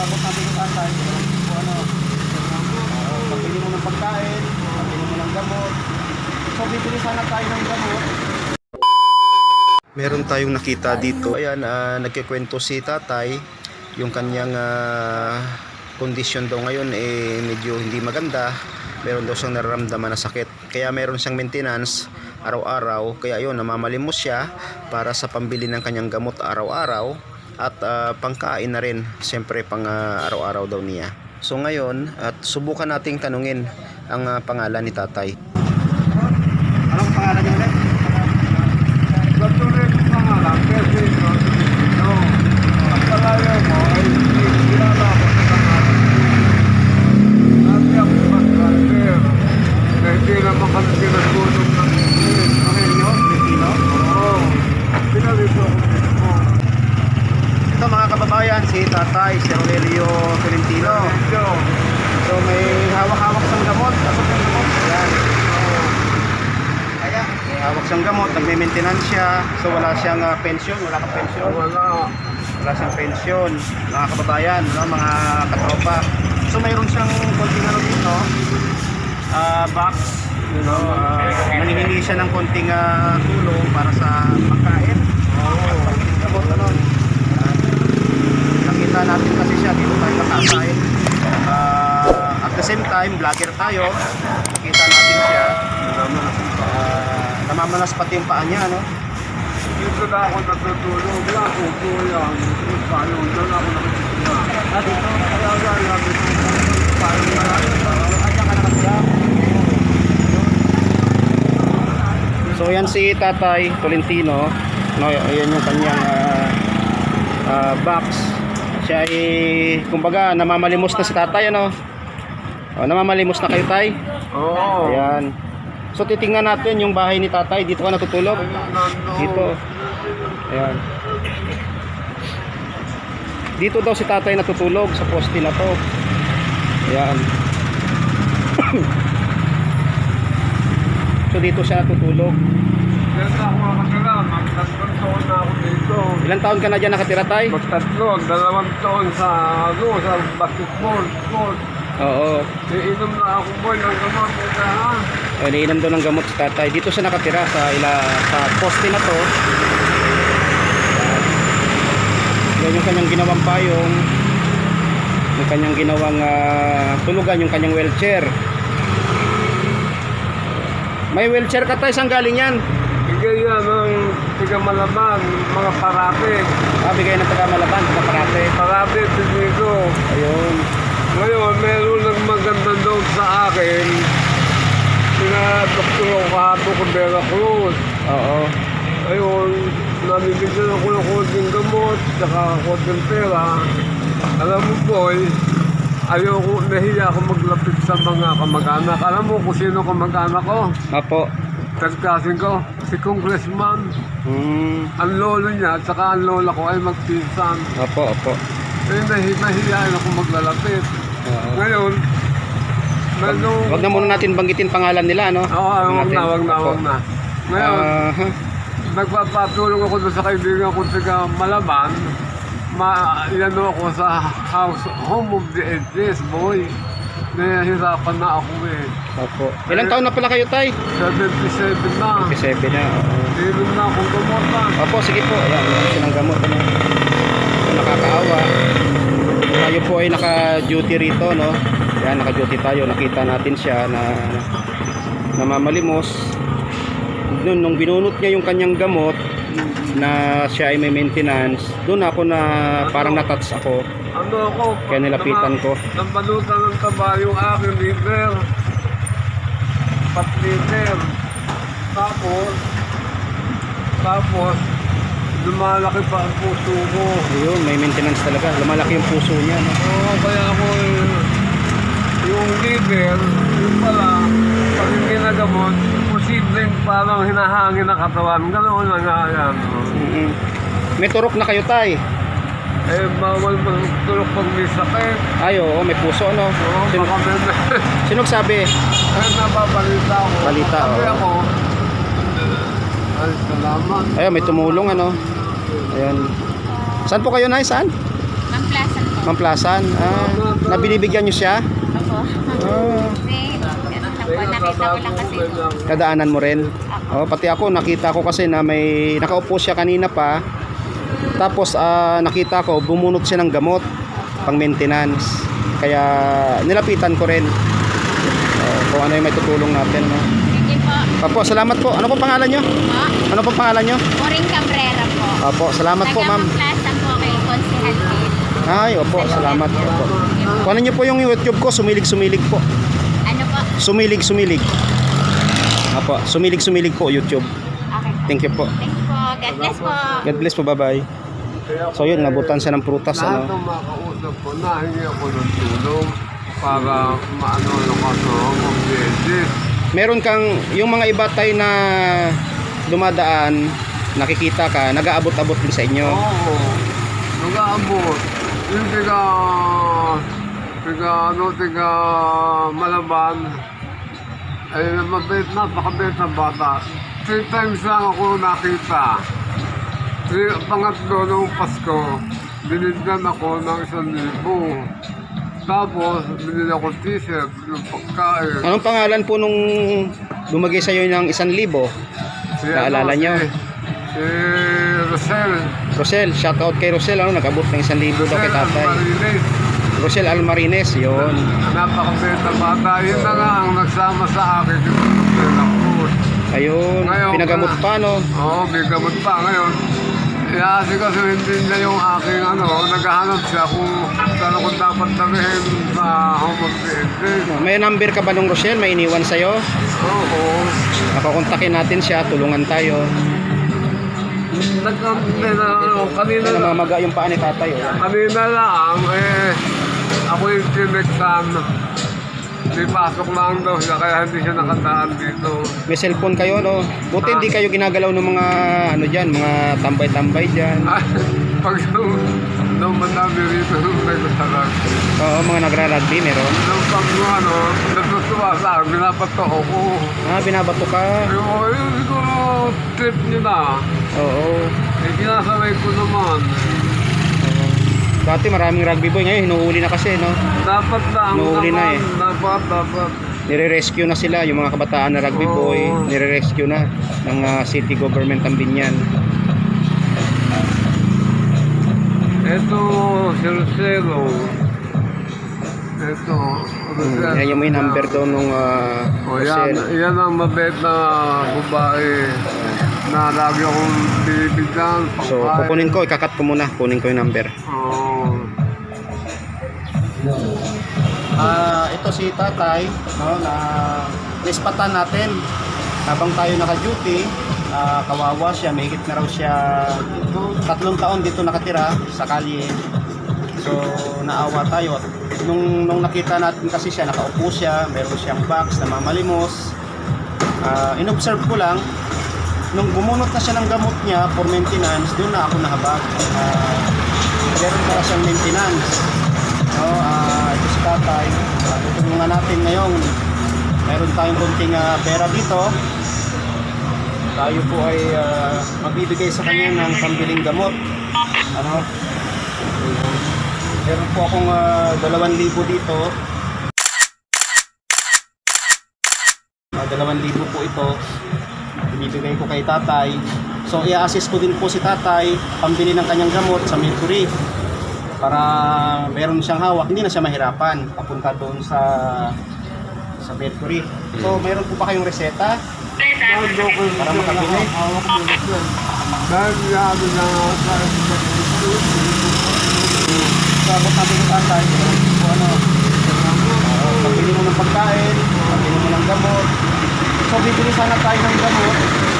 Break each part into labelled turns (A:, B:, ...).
A: abot natin yung tatay. Kung ano, pabili mo ng pagkain, pabili mo ng gamot. So bibili sana tayo ng gamot. Meron tayong nakita dito. Ayan, nagkikwento si tatay. Yung kanyang kondisyon daw ngayon medyo hindi maganda. Meron daw siyang nararamdaman na sakit. Kaya meron siyang maintenance araw-araw. Kaya yun, namamalimos siya para sa pambili ng kanyang gamot araw-araw. At pangkain na rin, siyempre pang araw-araw daw niya. So ngayon, at subukan nating tanungin ang pangalan ni tatay. Anong pangalan niya ulit?
B: Patuloy ang pangalan, kasi no, ang palaya mo ay kilala ko sa pangalan. Dati ako mag-driver, na hindi naman kami pinagulong ng
A: Aurelio Filipino?
B: oo, pinalito ako mismo.
A: Ito mga kababayan, si tatay, si Aurelio Filipino.
B: Medyo,
A: So may hawak-hawak siyang gamot. Asok yung gamot. Ayan. Kaya may hawak siyang gamot. Nagme-maintenance siya. So wala siyang pension. Wala kang pension.
B: wala.
A: Wala siyang pension. Mga kababayan, no? Mga katropa. So mayroon siyang konting ano dito. Box. You know, nanghihingi siya ng konting tulong para sa pagkain. Gamot ano. Ayan. Nakita natin kasi siya dito tayo nakakain. At the same time, vlogger tayo. Nakita natin siya. Namamanas pati yung paa niya, no?
B: Dito na ako natutulog lang, upo yan. Paano, doon ako nakikita.
A: Dito.
B: Kaya gaya, paano marami pa.
A: Kanya ka nakasya. So yan si Tatay Tolentino. No, ayan yung kanyang box. Siya ay, kumbaga, namamalimos na si tatay, ano? O, namamalimos na kayo, tay?
B: Oo.
A: Ayan. So, titingnan natin yung bahay ni tatay. Dito ka natutulog? Dito. Ayan. Dito daw si tatay natutulog sa poste na to. Ayan. So, dito siya natutulog.
B: Yan na ako makakala, magtatlong taon na ako dito.
A: Ilang taon ka na dyan nakatira, tay?
B: Magtatlong, 2 taon sa basketball, sport.
A: Oo.
B: Iinom na ako boy ng gamot, ha?
A: Iniinom daw ng gamot si tatay. Dito siya nakatira sa poste na to. Yan yung kanyang ginawang payong. Yung kanyang ginawang tulugan, yung kanyang wheelchair. May wheelchair ka tayo, saan galing yan?
B: Bigay yan ng tiga Malaban, mga parate.
A: Bigay ng taga Malaban, taga Parate.
B: Parate, dito.
A: Ayun.
B: Ngayon, meron ng maganda doon sa akin. Pinadoktor ako kahapon ko Vera Cruz.
A: Oo.
B: Ayun, namibigyan ako ng konting gamot, saka konting pera. Alam mo boy, ayoko, nahiya ako maglapit sa mga kamag-anak. Alam mo kung sino kamag-anak ko?
A: Apo.
B: Tagkasin ko, si Congressman. Ang lolo niya at saka ang lola ko ay magpinsan.
A: Apo, apo.
B: Eh, nahihiyain ako maglalapit.
A: Oo.
B: Ngayon,
A: Wag na muna natin banggitin pangalan nila, no?
B: wag na. Ngayon,
A: Aha.
B: nagpapatulong ako doon sa kaibigan ko sa Malaban. Iano ako sa home of the ages, boy. Nahihirapan na ako eh.
A: Opo. Ilang taon na pala kayo, tay?
B: 77 na.
A: 57 na.
B: Inom na akong gamot na.
A: Opo, sige po. Ayan, meron silang gamot. Ano? So, nakakaawa. Tayo po ay naka-duty rito, no? Ayan, naka-duty tayo. Nakita natin siya na namamalimos. Nung binunot niya yung kanyang gamot na siya ay may maintenance, doon ako na parang natouch ako.
B: Ano ako?
A: Kaya nilapitan ko.
B: Nampalutan ng taba yung aking liver. 4 liter. Tapos, lumalaki pa ang puso ko.
A: Ayun, may maintenance talaga. Lumalaki yung puso niya, no?
B: Oo, kaya ako yung liver, yung pala, pag yung ginagamot, posibleng parang hinahangin ang katawan. Ganoon na nga yan.
A: May turok na kayo, tay?
B: Eh, bawal magtulog pag may sakit.
A: Ay, oo, may puso, no?
B: Oo,
A: Sino,
B: baka may...
A: sino sabi?
B: Ay, nababalita ako.
A: Balita,
B: Sabi
A: oo.
B: ako, ay, salamat.
A: Ayun, may tumulong, ano? Ayan. Saan po kayo, nay? Saan?
C: Ma'am Plaza po.
A: Mamplasan. Nabinibigyan nyo siya?
C: Opo.
A: Ah,
C: Nakita ko lang kasi.
A: kadaanan mo rin? Oh, pati ako, nakita ko kasi na may nakaupo siya kanina pa. Tapos nakita ko, bumunot siya ng gamot pang maintenance. Kaya nilapitan ko rin. Kung ano yung may tutulong natin. No?
C: Sige po.
A: Opo, salamat po. Ano po pangalan nyo?
C: Po.
A: Ano po pangalan nyo?
C: Maureen Cabrera po.
A: Opo, salamat po ma'am.
C: Taga-Mamplasan po kay Consihal Bill.
A: Ay, opo, salamat po. Kung ano nyo po yung YouTube ko, sumilig-sumilig po.
C: Ano po?
A: Sumilig-sumilig. Opo, sumilig-sumilig po YouTube.
C: Okay.
A: Thank you po.
C: Thank you po. God bless po.
A: God bless po, bye-bye. So yun, nabutan siya ng prutas.
B: Lahat
A: Ano?
B: ng makausap ko, nahingi ako ng tulong para maano yung kaso ng business.
A: Meron kang, yung mga iba tayo na dumadaan, nakikita ka, nag-aabot-abot din sa inyo.
B: Oo, nag-aabot. Yung tiga Malaban, ay mabait, napakabait na bata. 3 times lang ako nakita. Pangatlo nung Pasko, binigyan ako ng 1,000. Tapos, binili ako t-shirt, yung pagkain.
A: Anong pangalan po nung lumagay sa iyo ng 1,000? Naalala nyo?
B: Si Rosel.
A: Rosel, shoutout kay Rosel, ano, nag-abot ng 1,000 daw kay tatay.
B: Marines.
A: Rosel Almarines, yun.
B: Napakabait na bata. Yun na nga ang nagsama sa akin yung pagkain ko.
A: Ayun,
B: Ngayon,
A: pinagamot pa, no?
B: Oo, may gamot pa ngayon. Kasi hindi na yung aking naghahanap siya kung saan ko dapat tabihin sa home of the agent.
A: May number ka ba nung Rosel? May iniwan sa'yo?
B: Oo.
A: Nakakontakin natin siya, tulungan tayo.
B: Kanina lang.
A: Namamaga yung paa ni tatay, oh.
B: Kanina lang, ako yung tinexan. May pasok lang daw siya, kaya hindi siya nakandaan dito.
A: May cellphone kayo, no? Buti hindi kayo ginagalaw ng mga, ano dyan, mga tambay-tambay dyan.
B: Pag nung madami rito, nung nagsasalag.
A: Oo, mga nagra-rugby, meron.
B: Nung pag natutuwa sa akin, binabato ako.
A: Binabato ka.
B: Yung siguro trip niyo na.
A: Oo.
B: Kinasabay ko naman.
A: Dati maraming rugby boy, ngayon hinuhuli na kasi, no?
B: Dapat lang
A: Nuhuli na
B: naman.
A: eh.
B: Dapat.
A: Nire-rescue na sila, yung mga kabataan na rugby boy,
B: Oo.
A: nire-rescue na ng city government ng Binyan.
B: Ito, Silselo. Ito,
A: Yan yung may number daw nung
B: yan,
A: Rosel.
B: yan ang mabait na babae na lagi akong binibigyan.
A: So, kukunin ko, ikakat ko muna, kunin ko yung number.
B: Oo.
A: Ito si tatay, no, na nispatan natin habang tayo naka-duty. Kawawa siya, may higit na raw siya 3 taon dito nakatira sa kalye. So naawa tayo. Nung nakita natin kasi siya, nakaupo siya, meron siyang box na mamalimos. In-observe ko lang, nung bumunot na siya ng gamot niya for maintenance, doon na ako nahabag. Meron para siyang maintenance. No, ito si tatay, tutulungan natin ngayon. Meron tayong konting pera dito. Tayo po ay magbibigay sa kanya ng pambiling gamot. Ano? Meron po akong 2,000 dito. 2,000 po ito. Ibibigay ko kay tatay. So i-assist ko din po si tatay pambili ng kanyang gamot sa Mercury. Para meron siyang hawak, hindi na siya mahirapan papunta doon sa Mercury. So meron po ba kayong reseta? Para makabili?
B: Dahil yado na
A: Sabot natin yung tatay. So ano? Pabili mo ng pagkain, pabili mo ng gamot. So bibili sana tayo ng gamot.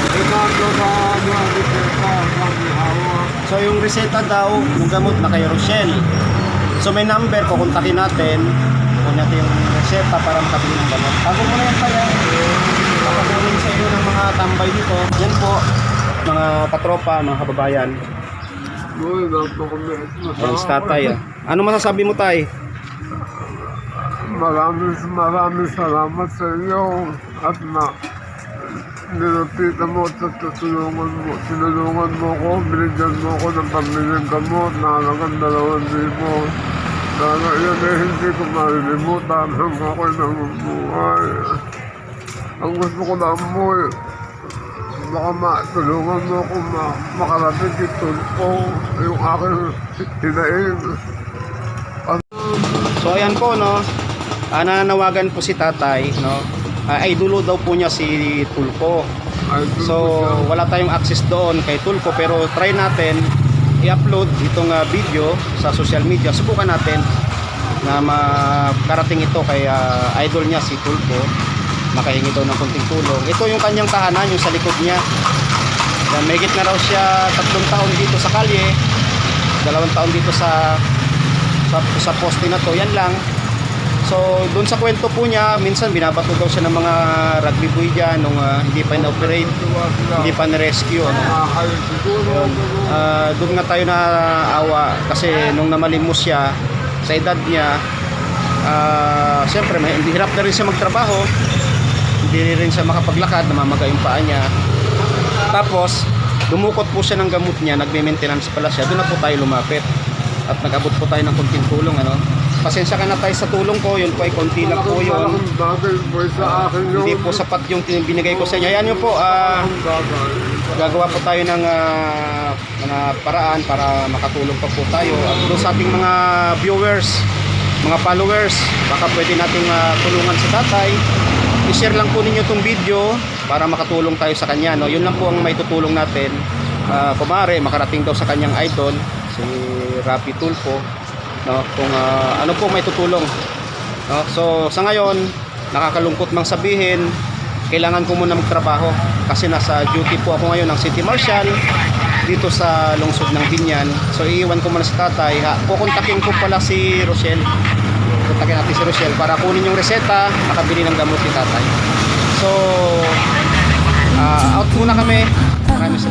A: So yung reseta daw, yung gamot na kay Rochelle. So may number, kukontakin natin. Kunin natin yung reseta para makabili ng gamot. Bago mo na yan kaya, papagunin sa inyo ng mga tambay dito. Yan po, mga katropa, mga kababayan. Yan si tatay. Ano masasabi mo tay?
B: Maraming salamat sa iyo at nilapitan mo at tinulungan mo ko, binigyan mo ko ng pamilyang gamot na halagang 2,000. Sana yan eh, hindi ko malilimutan hanggang ako'y namumuhay. Ang gusto ko lang mo eh, baka matulungan mo ako makarating itong po yung aking hinaing.
A: So ayan po no, nananawagan po si tatay no, ay dulo daw po niya si Tulpo. So wala tayong access doon kay Tulpo, pero try natin i-upload itong video sa social media. Subukan natin na makarating ito kay idol niya si Tulpo, makahingi daw ng konting tulong. Ito yung kanyang tahanan, yung sa likod niya. Yan, may na raw siya 3 taon dito sa kalye, 2 taon dito sa poste na to. Yan lang. So doon sa kwento po niya, minsan binabato daw siya ng mga rugby boy dyan nung hindi pa in-operate, hindi pa na-rescue ano. Doon nga tayo na awa kasi nung namalimos siya sa edad niya, siyempre hindi hirap na rin siya magtrabaho, hindi rin siya makapaglakad, namamaga yung paa niya. Tapos dumukot po siya ng gamot niya, nagme-maintenance pala siya. Doon na po tayo lumapit at nag-abot po tayo ng konting tulong ano. Pasensya ka na tayo sa tulong ko, yun po ay konti lang po yun. Hindi po sapat yung binigay ko sa inyo. Ayan yun po, gagawa po tayo ng mga paraan para makatulong pa po tayo. At doon sa ating mga viewers, mga followers, baka pwede nating tulungan sa tatay. I-share lang po ninyo itong video para makatulong tayo sa kanya. No? Yun lang po ang may tutulong natin. Kumare, makarating daw sa kanyang idol, si Rapi Tulpo. No, kung ano po may tutulong no? So sa ngayon nakakalungkot mang sabihin, kailangan ko muna magtrabaho kasi nasa duty po ako ngayon ng City Marshal dito sa lungsod ng Binyan. So iiwan ko muna sa tatay. Kukontakin ko pala si Rochelle, kontakin natin si Rochelle para kunin yung reseta, makabili ng gamot ni tatay. So out muna kami. Maraming salamat.